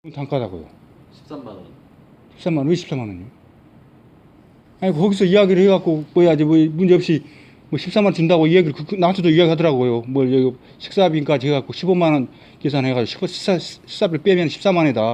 단가다고요. 13만 원. 13만 원, 왜 14만 원이요? 아니 거기서 이야기를 해갖고 뭐야지 뭐 문제 없이 뭐 14만 원 준다고 이야기를 나한테도 이야기하더라고요. 뭐 여기 식사비까지 해갖고 15만 원 계산해가지고 식사비를 빼면 14만 원이다.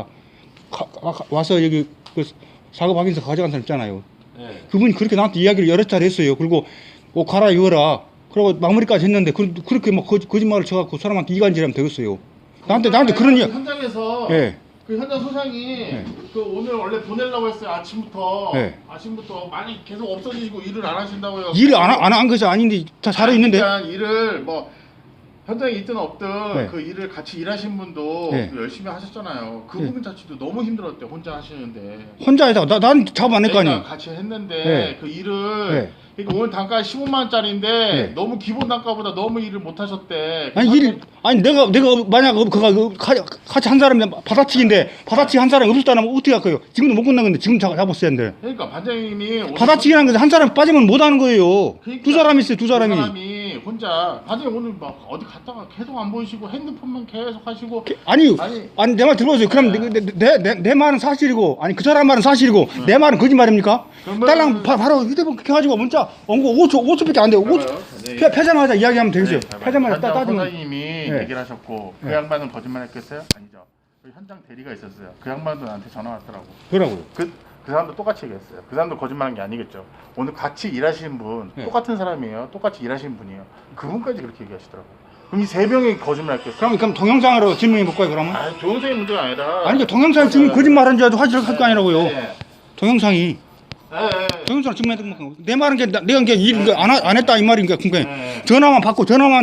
와서 여기 그 작업 확인서 가져간 사람 있잖아요. 네. 그분이 그렇게 나한테 이야기를 여러 차례 했어요. 그리고 옷 갈아입어라. 그러고 마무리까지 했는데 그렇게 뭐 거짓말을 쳐갖고 사람한테 이간질하면 되겠어요. 나한테 그런 이야기. 현장에서 예. 그 현장 소장이 그 오늘 원래 보내려고 했어요. 아침부터 네. 아침부터 많이 계속 없어지시고 일을 안 하신다고요. 일을 안 한 것이 아닌데 다 잘해 있는데. 그러니까 일을 뭐 현장에 있든 없든 네. 그 일을 같이 일하신 분도 네. 열심히 하셨잖아요. 그 네. 부분 자체도 너무 힘들었대. 혼자 하시는데. 혼자 해다가 난 작업 안 했거 아니야. 같이 했는데 네. 그 일을 네. 그러니까 오늘 단가 15만 원짜리인데 네. 너무 기본 단가보다 너무 일을 못 하셨대. 아니 내가 만약 그가 같이 한 사람이 받아치기 한 사람이 없었다면 어떻게 할 거예요? 지금도 못 끝난 건데 지금 잡았어야 하는데. 그러니까 반장님이 받아치기라는 것은 한 사람 빠지면 못 하는 거예요. 그러니까 두 사람이 있어요, 두 사람이. 두 사람이 혼자 반장님 오늘 막 어디 갔다가 계속 안 보이시고 핸드폰만 계속 하시고 아니 내 말 들어보세요. 그럼 네. 내 말은 사실이고 아니 그 사람 말은 사실이고 내 말은 거짓말입니까? 딸랑 바로 휴대폰 그렇게 가지고 문자 온 거 5초밖에 안 돼요. 5초 펴자마자 이야기하면 되겠어요. 펴자마자 따지면. 선생님이 얘기를 하셨고 그 양반은 거짓말했겠어요? 아니죠. 그 현장 대리가 있었어요. 그 양반도 나한테 전화 왔더라고. 그러고요. 그 사람도 똑같이 얘기했어요. 그 사람도 거짓말한 게 아니겠죠. 오늘 같이 일하시는 분 똑같은 사람이에요. 똑같이 일하시는 분이에요. 그분까지 그렇게 얘기하시더라고. 그럼 이 세 명이 거짓말했겠어요? 그럼 동영상으로 질문해 볼까요, 그러면? 아, 동영상이 문제가 아니라. 아니, 동영상 지금 거짓말한 줄 알고 확실할 거 아니라고요. 네. 동영상이. 네. 동영상 증명해 내 말은 내가 일 안 했다 이 말인가. 그러니까 네. 전화만 받고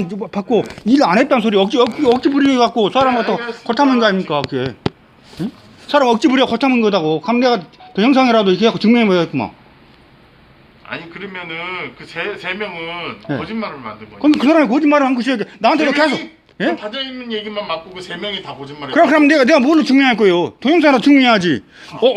일 안 했다는 소리 억지 부려 갖고 사람 갖다 고탐한 거 아닙니까, 그게? 응? 사람 억지 부려 고탐한 거다고. 그럼 내가 동영상이라도 이렇게 갖고 증명해 봐야겠구만. 아니 그러면은 그 세 명은 네. 거짓말을 만든 거예요. 그럼 그 사람이 거짓말을 한 것이야. 나한테도 계속. 예? 받아 있는 얘기만 맞고 그 세 명이 다 거짓말했어. 그럼 내가 뭘로 증명할 거예요? 동영상으로 증명해야지.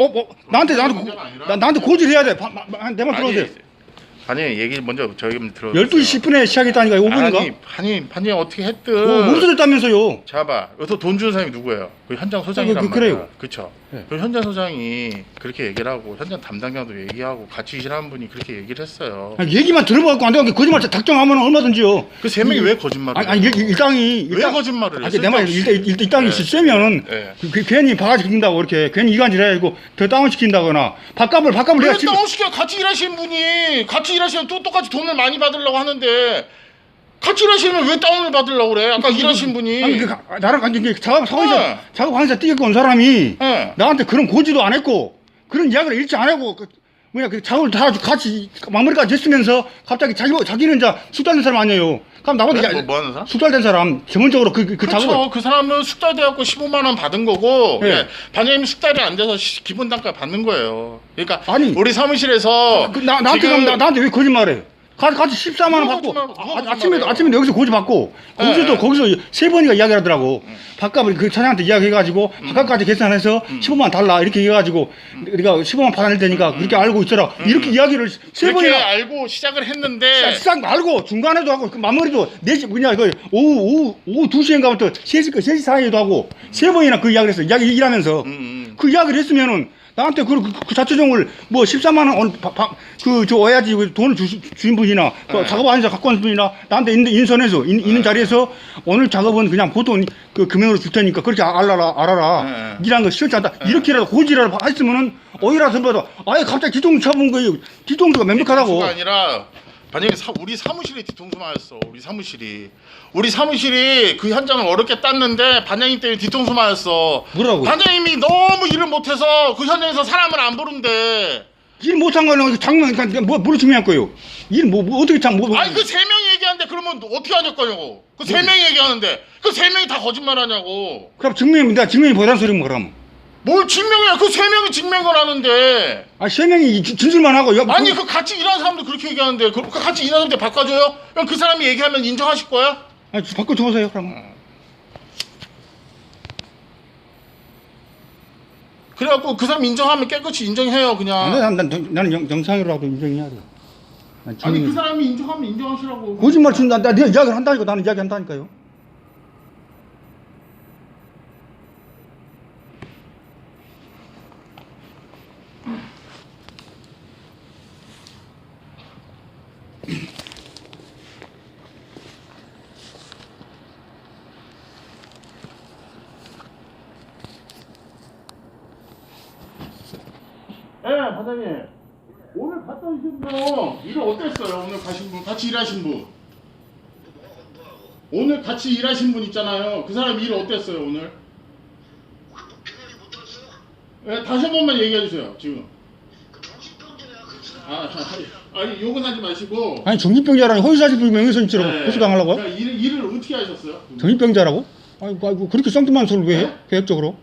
나한테 고지를 해야 돼. 내 말 들어보세요. 아니 얘기 먼저 저희 들어. 12시 10분에 시작했다니까 5분인가? 아니 어떻게 했든. 멈춰졌다면서요. 잡아. 여기서 돈 주는 사람이 누구예요? 그 현장 소장이란 그래요. 말이야. 그렇죠. 네. 그 현장 소장이 그렇게 얘기를 하고 현장 담당자도 얘기하고 같이 일하는 분이 그렇게 얘기를 했어요. 아니, 얘기만 들어봐갖고 안 되는 게 거짓말 작정하면 얼마든지요. 그 세 명이 왜 거짓말을? 아니 일당이 왜 거짓말을 해? 내 말 일당이 세면은 네. 괜히 바가지 긁는다고 이렇게 괜히 이간질해가지고 더 다운시킨다거나 밥값을 왜 내가 다운시켜? 같이 일하시는 분이 같이 일하시면 또 똑같이 돈을 많이 받으려고 하는데 같이 일하시면 왜 다운을 받으려고 그래? 아까 일하신 분이. 아니 나랑 관계 작업 상황에서 뛰어온 사람이 네. 나한테 그런 고지도 안 했고 그런 이야기를 일치 안 하고 그 작업을 다 같이 마무리까지 했으면서 갑자기 자기는 이제 숙달된 사람 아니에요. 그럼 나보다 뭐 하는 사람? 숙달된 사람 전문적으로 그 그렇죠. 작업을 그 사람은 숙달돼갖고 15만 원 받은 거고 네. 반장님이 숙달이 안 돼서 기본 단가 받는 거예요. 그러니까 아니, 우리 사무실에서 나한테 왜 거짓말해? 같이 14만 원 받고 아침에도 여기서 고지 받고 거기서 세 번이가 이야기를 하더라고. 밥값을 그 차장한테 이야기해가지고 밥값까지 계산해서 15만 원 달라 이렇게 해가지고 우리가 15만 받아낼 테니까 그렇게 알고 있더라. 이렇게 이야기를 세 그렇게 번이나 알고 시작을 했는데 싹 알고 중간에도 하고 그 마무리도 4시 오후 2시인가부터 3시 사이에도 하고 세 번이나 그 이야기를 했어. 일하면서 그 이야기를 했으면은 나한테 그 자초정을 뭐 14만 원 어야지 돈을 주신 분이나 작업 안에서 갖고 온 분이나 나한테 인선해서 있는 자리에서 오늘 작업은 그냥 보통 그 금액으로 줄 테니까 그렇게 알아라. 일한 거 시원치 않다. 이렇게라도 고지라도 했으면은 오히려 선배도 아예 갑자기 뒤통수 쳐본 거예요. 뒤통수가 명백하다고. 뒤통수가 아니라 반장님 우리 사무실이 뒤통수 맞았어. 우리 사무실이 그 현장을 어렵게 땄는데 반장님 때문에 뒤통수 맞았어. 뭐라고? 반장님이 너무 일을 못해서 그 현장에서 사람을 안 부른대. 일 못한 거는 장면 뭐로 증명할 거예요? 일 어떻게 아니 그 세 명이 얘기하는데 그러면 어떻게 하실 거냐고. 그 세 명이 얘기하는데 그 세 명이 다 거짓말하냐고. 그럼 증명이 보다는 소리면 그럼. 뭘 증명이야? 그 세 명이 증명을 하는데. 아, 세 명이 진술만 하고. 아니 그 같이 일하는 사람도 그렇게 얘기하는데 그 같이 일하는 사람한테 바꿔줘요? 그럼 그 사람이 얘기하면 인정하실 거야? 아니, 바꿔줘보세요 그럼. 그래갖고 그 사람 인정하면 깨끗이 인정해요 그냥. 나는 영상으로라도 인정해야 돼. 아니 그 사람이 인정하면 인정하시라고. 거짓말 친다. 내가 이야기를 한다니까. 나는 이야기 한다니까요. 반장님. 오늘 갔다 오신 분 일 어땠어요? 오늘 가신 분, 같이 일하신 분. 오늘 같이 일하신 분 있잖아요. 그 사람 일 어땠어요 오늘? 네, 다시 한 번만 얘기해 주세요. 지금. 아니 욕은 하지 마시고. 아니 정신병자라니 허위사실 명예훼손죄로 네. 고소당하려고요? 그러니까 일을 어떻게 하셨어요? 정신병자라고? 아이고 그렇게 쌍뚱한 소리를 왜 해? 계획적으로?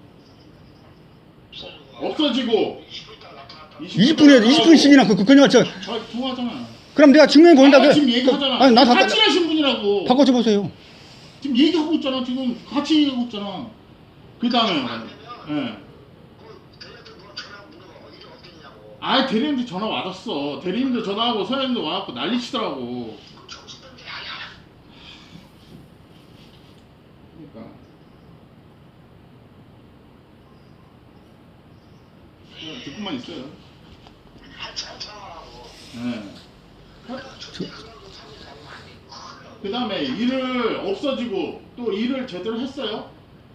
없어지고 20분씩이나 그냥 저 통화하잖아. 그럼 내가 증명해 보인다. 지금 얘기하잖아. 아니 나 같이 하신 분이라고. 바꿔줘 보세요. 지금 얘기하고 있잖아. 지금 같이 얘기하고 있잖아. 그 다음에. 예. 아 대리님들 전화 왔었어. 대리님들 전화하고 서현님도 와갖고 난리치더라고. 그러니까. 그냥 듣고만 있어요. 네. 그 다음에 일을 없어지고 또 일을 제대로 했어요?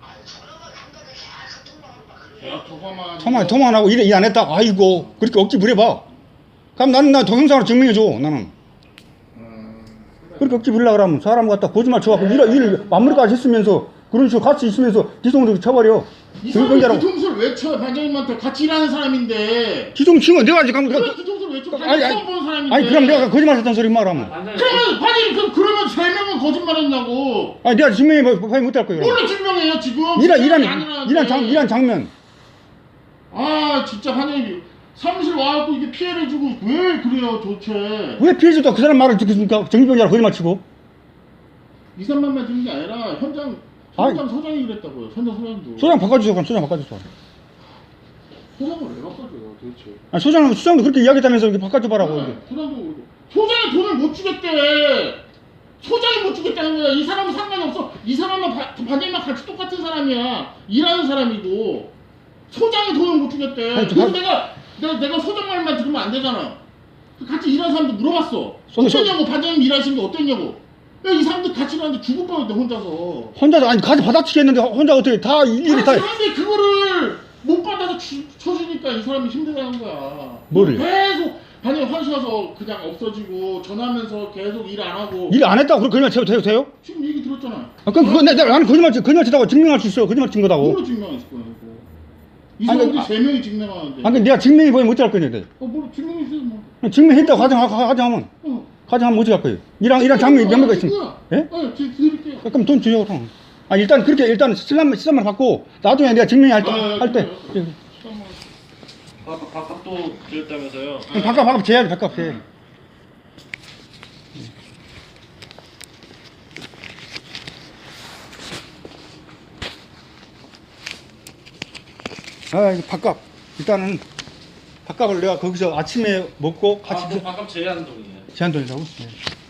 통화 안 하고 일 안 했다. 아이고 그렇게 억지 부려봐. 그럼 나 동영상으로 증명해줘. 나는 그렇게 억지 부리려고 그러면 사람 갖다 거짓말 쳐갖고 일 마무리까지 했으면서 그런 식으로 같이 있으면서 기성으로 쳐버려. 이 사람이 뒤통수를 왜 쳐? 반장님한테 같이 일하는 사람인데. 기성 치고 내가 아직 간 그래 뒤통수를 왜 쳐? 반장님 처음 보는 사람인데. 아니 그럼 내가 거짓말 했다는 소리 말하면. 그러면 반장님 그러면 3명은 거짓말했냐고. 아니 내가 증명해 못할 거예요. 뭘로 증명해요 지금? 일한 장면. 아 진짜 반장님 사무실 와갖고 이게 피해를 주고 왜 그래요 도대체? 왜 피해 줬다 그 사람 말을 듣겠습니까? 정신병자라 거짓말 치고. 2, 3만만 주는 게 아니라 현장 소장이 그랬다고요. 현장 소장도. 소장 바꿔주세요. 그럼 소장 바꿔주세요. 소장을 왜 바꿔줘요 도대체? 아니 소장도 그렇게 이야기했다면서 이렇게 바꿔줘봐라고. 네, 소장이 돈을 못 주겠대. 소장이 못 주겠다는 거야. 이 사람은 상관이 없어. 이 사람은 반장님랑 같이 똑같은 사람이야. 일하는 사람이고. 소장이 돈을 못 주겠대. 아니, 그래서 내가 소장 말만 들으면 안 되잖아. 같이 일하는 사람도 물어봤어. 어땠냐고 반장님 일하시는 게 어땠냐고. 야, 이 사람들 같이 일하는데 죽을 뻔했대 혼자서. 아니 같이 받아치겠는데 혼자 어떻게 다 일일이 다. 사람들이 그거를 못 받아서 쳐주니까 이 사람이 힘들다는 거야. 뭐를? 계속 반장님 화셔서 그냥 없어지고 전화하면서 계속 일 안 하고. 일 안 했다고 거짓말 쳐도 돼요? 지금 얘기 들었잖아. 아, 그럼 그거 나는 거짓말 치다고 증명할 수 있어. 거짓말 친 거다고. 뭐로 증명했을 거야 이거. 이 사람들 3명이 증명하는데. 아니 내가 증명해 보이면 어찌할 거냐. 뭐 증명했어요 뭐. 증명했다고 가정하면. 가정하면 어찌할 거예요. 이랑 장면이 명백가 있으면. 예? 지금 드릴게요. 그럼 돈 주요 그럼. 아 일단 그렇게 시간만 받고 나중에 내가 증명할 때. 밥값도 드렸다면서요? 밥값 재야지 밥값 재. 아 이거 밥값 일단은 밥값을 내가 거기서 아침에 먹고 같이 밥값 제한 돈이에요. 제한 돈이라고. 네.